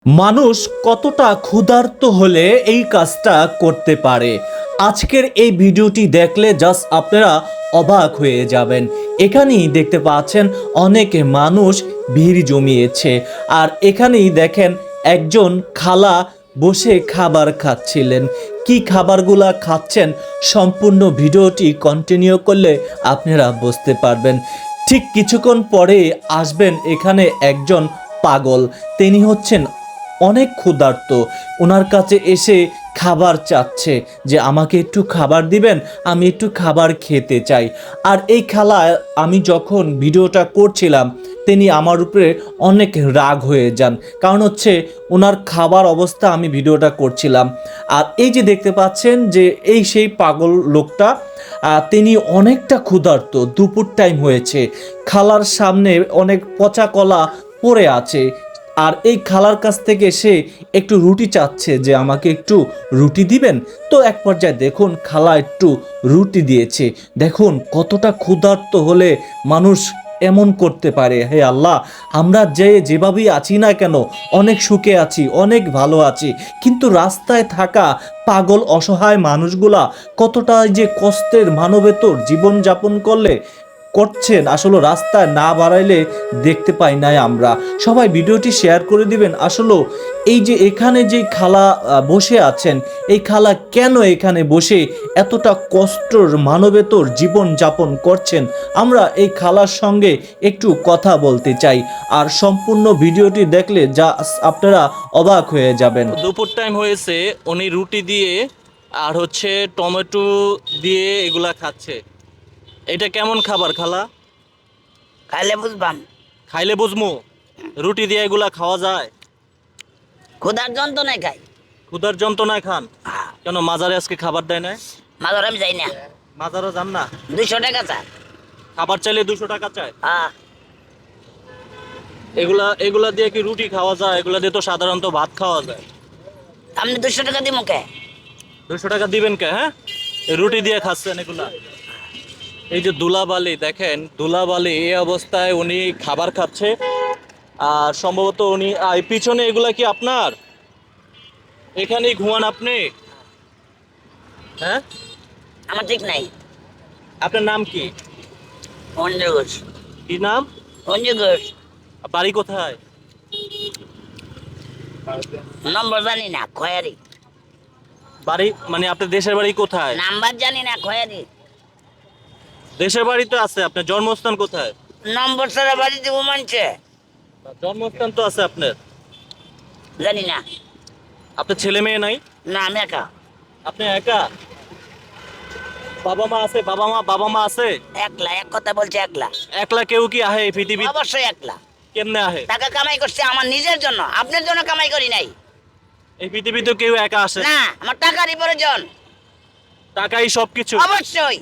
মানুষ কতটা ক্ষুধার্ত হলে এই কাজটা করতে পারে। আজকের এই ভিডিওটি দেখলে জাস্ট আপনারা অবাক হয়ে যাবেন। এখানেই দেখতে পাচ্ছেন অনেক মানুষ ভিড় জমিয়েছে, আর এখানেই দেখেন একজন খালা বসে খাবার খাচ্ছিলেন। কি খাবারগুলা খাচ্ছেন সম্পূর্ণ ভিডিওটি কন্টিনিউ করলে আপনারা বুঝতে পারবেন। ঠিক কিছুক্ষণ পরে আসবেন এখানে একজন পাগল, তিনি হচ্ছেন অনেক ক্ষুধার্ত। ওনার কাছে এসে খাবার চাচ্ছে যে আমাকে একটু খাবার দিবেন, আমি একটু খাবার খেতে চাই। আর এই খালা, আমি যখন ভিডিওটা করছিলাম তিনি আমার উপরে অনেক রাগ হয়ে যান, কারণ হচ্ছে ওনার খাবার অবস্থা আমি ভিডিওটা করছিলাম। আর এই যে দেখতে পাচ্ছেন যে এই সেই পাগল লোকটা, তিনি অনেকটা ক্ষুধার্ত। দুপুর টাইম হয়েছে, খালার সামনে অনেক পচা কলা পড়ে আছে, আর এই খালার কাছ থেকে সে একটু রুটি চাচ্ছে যে আমাকে একটু রুটি দিবেন। তো এক পর্যায়ে দেখুন খালা একটু রুটি দিয়েছে। দেখুন কতটা ক্ষুধার্ত হলে মানুষ এমন করতে পারে। হে আল্লাহ, আমরা যেভাবেই আছি না কেন, অনেক সুখে আছি, অনেক ভালো আছি, কিন্তু রাস্তায় থাকা পাগল অসহায় মানুষগুলা কতটা যে কষ্টের মানবেতর জীবনযাপন করছেন, আসলে রাস্তায় না বাড়াইলে দেখতে পাই নাই আমরা। সবাই ভিডিওটি শেয়ার করে দিবেন। আসলে এই যে এখানে যে খালা বসে আছেন, এই খালা কেন এখানে বসে এতটা কষ্টর মানবেতর জীবন যাপন করছেন, আমরা এই খালার সঙ্গে একটু কথা বলতে চাই। আর সম্পূর্ণ ভিডিওটি দেখলে যা আপনারা অবাক হয়ে যাবেন। দুপুর টাইম হয়েছে, উনি রুটি দিয়ে আর হচ্ছে টমেটো দিয়ে এগুলা খাচ্ছে। এটা কেমন খাবার খালা? খাইলে বুঝবাম। খাইলে বুঝমু? রুটি দিয়ে এগুলা খাওয়া যায়? ক্ষুধার যন্ত্রণায় খাই। ক্ষুধার যন্ত্রণায় খান? হ্যাঁ। কেন মাজারে আজকে খাবার দেয় না? মাজার আমি যাই না। মাজারও যান না? 200 টাকা চাই। খাবার চাইলে 200 টাকা চায়? হ্যাঁ। এগুলা এগুলা দিয়ে কি রুটি খাওয়া যায়? এগুলা দিয়ে তো সাধারণত ভাত খাওয়া যায়। আপনি 200 টাকা দিব কে? 200 টাকা দিবেন কে? হ্যাঁ, এই রুটি দিয়ে খাচ্ছেন এগুলা। এই যে ধুলাবালি দেখেন, ধুলাবালি এই অবস্থায় উনি খাবার খাচ্ছে। আর সম্ভবত উনি এই পিছনে এগুলা কি আপনার? এখানেই ঘুমান আপনি? হ্যাঁ, আমার ঠিক নাই। আপনার নাম কি? অঞ্জু ঘোষ। কি নাম? অঞ্জু ঘোষ। বাড়ি কোথায়? নম্বর জানি না, খয়ারি। বাড়ি মানে আপনার দেশের বাড়ি কোথায়? নাম্বার জানি না, খয়ারি। দেশের বাড়ি তো আছে, আপনার জন্মস্থান কোথায়? নম্বর ছাড়া বাড়ি দিব মানছে? জন্মস্থান তো আছে আপনার। জানি না। আপনার ছেলে মেয়ে নাই? না, আমি একা। আপনি একা? বাবা মা আছে? একলা, এক কথা বলছে একলা। একলা কেউ কি আহে এই পৃথিবী? অবশ্যই একলা। কেমনে আহে? টাকা কামাই করছে আমার নিজের জন্য, আপনার জন্য কামাই করি নাই। এই পৃথিবীতে কেউ একা আসে না, আমার টাকারই প্রয়োজন। টাকাই সবকিছু? অবশ্যই।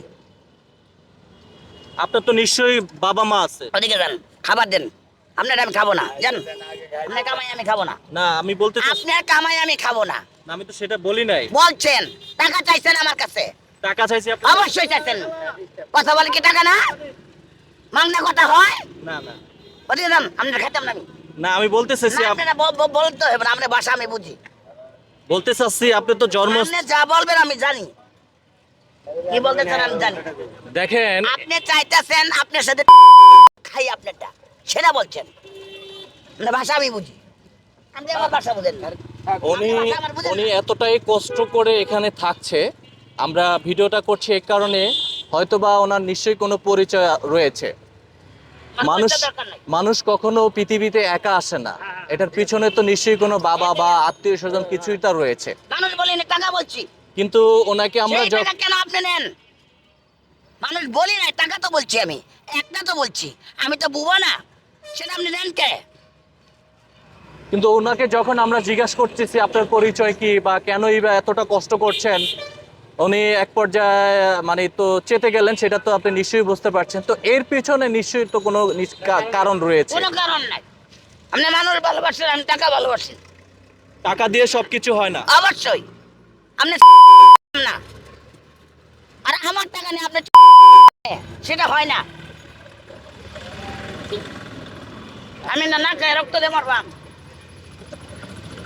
আপনার তো নিশ্চয়ই বাবা মা আছে। ওদিকে যান, খাবার দেন। আপনার আমি খাবো না, জান। আপনার কামাই আমি খাবো না। না, আমি বলতে চাচ্ছি, আপনার কামাই আমি খাবো না। না, আমি তো সেটা বলি নাই। বলছেন টাকা চাইছেন আমার কাছে? টাকা চাইছি আপনি? অবশ্যই চাইছেন। কথা বলে কি টাকা না? মাংনা কথা হয়? না না ওদিকে যান, আপনার খাইতাম না আমি। না, আমি বলতে চাচ্ছি, না, আপনারা বলতে হবে না, আপনার ভাষা আমি বুঝি। বলতে চাচ্ছি আপনি তো জন্ম আপনি যা বলবেন আমি জানি, কি বলতে চান আমি জানি। দেখেন, আপনি চাইতেছেন আপনার সাথে খাই আপনারটা, সেটা বলছেন। আপনার ভাষা আমি বুঝি, আপনি আমার ভাষা বুঝেন না। উনি উনি এতটাই কষ্ট করে এখানে থাকছে, আমরা ভিডিওটা করছি এই কারণে, হয়তোবা ওনার নিশ্চয়ই কোনো পরিচয় রয়েছে। মানুষ মানুষ কখনো পৃথিবীতে একা আসে না, এটার পিছনে তো নিশ্চয়ই কোনো বাবা বা আত্মীয় স্বজন কিছুই তার রয়েছে। মানুষ বলি না, টাকা বলছি। কিন্তু ওনাকে আমরা সেই টাকা কেন আপনি নেন? মানুষ বলি না, টাকা তো বলছি আমি, একটা তো বলছি, আমি তো বুবা না, সেটা আপনি নেন কে? কিন্তু ওনাকে যখন আমরা জিজ্ঞাসা করতেছি আপনার পরিচয় কি বা কেনই বা এতটা কষ্ট করছেন, উনি এক পর্যায়ে মানে তো চেতে গেলেন, সেটা তো আপনি নিশ্চয়ই বুঝতে পারছেন। তো এর পিছনে নিশ্চয়ই তো কোনো কারণ রয়েছে। কোনো কারণ নাই। আপনি মানুষ ভালোবাসেন, আমি টাকা ভালোবাসি। টাকা দিয়ে সবকিছু হয় না। অবশ্যই। আপনি না, আর আমার টাকা নেই আপনি সেটা হয় না। আমি না না খাই রক্ত দিয়ে মারবাম।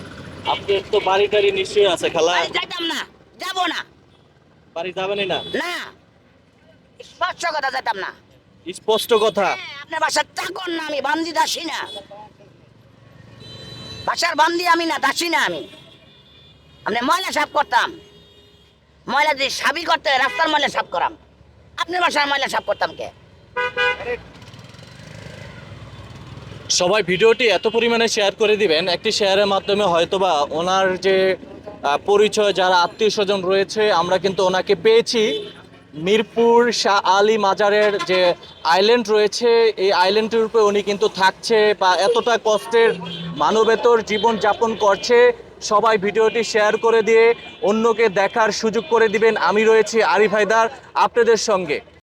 আপনার তো বাড়ি টাড়ি নিশ্চয়ই আছে খালা। বাড়ি যাইতাম না, যাবো না। বাড়ি যাবেনই না? না, স্পষ্ট কথা যেতাম না। স্পষ্ট কথা। হ্যাঁ, আপনার বাসার চাকর না আমি, বান্দি দাসী না। বাসার বান্দি আমি না, দাসী না আমি। আপনি ময়লা সাফ করতাম, ময়লা যদি সাবি করতে হয়, রাস্তার ময়লা সাফ করাম। আপনার বাসার ময়লা সাফ করতাম কে? সবাই ভিডিওটি এত পরিমাণে শেয়ার করে দিবেন, একটি শেয়ারের মাধ্যমে হয়তোবা ওনার যে পরিচয়, যারা আত্মীয় স্বজন রয়েছে, আমরা কিন্তু ওনাকে পেয়েছি। মিরপুর শাহ আলী মাজারের যে আইল্যান্ড রয়েছে, এই আইল্যান্ডের উপরে উনি কিন্তু থাকছে বা এতটা কষ্টের মানবেতর জীবন যাপন করছে। সবাই ভিডিওটি শেয়ার করে দিয়ে অন্যকে দেখার সুযোগ করে দিবেন। আমি রয়েছি আরিফ হায়দার আপনাদের সঙ্গে।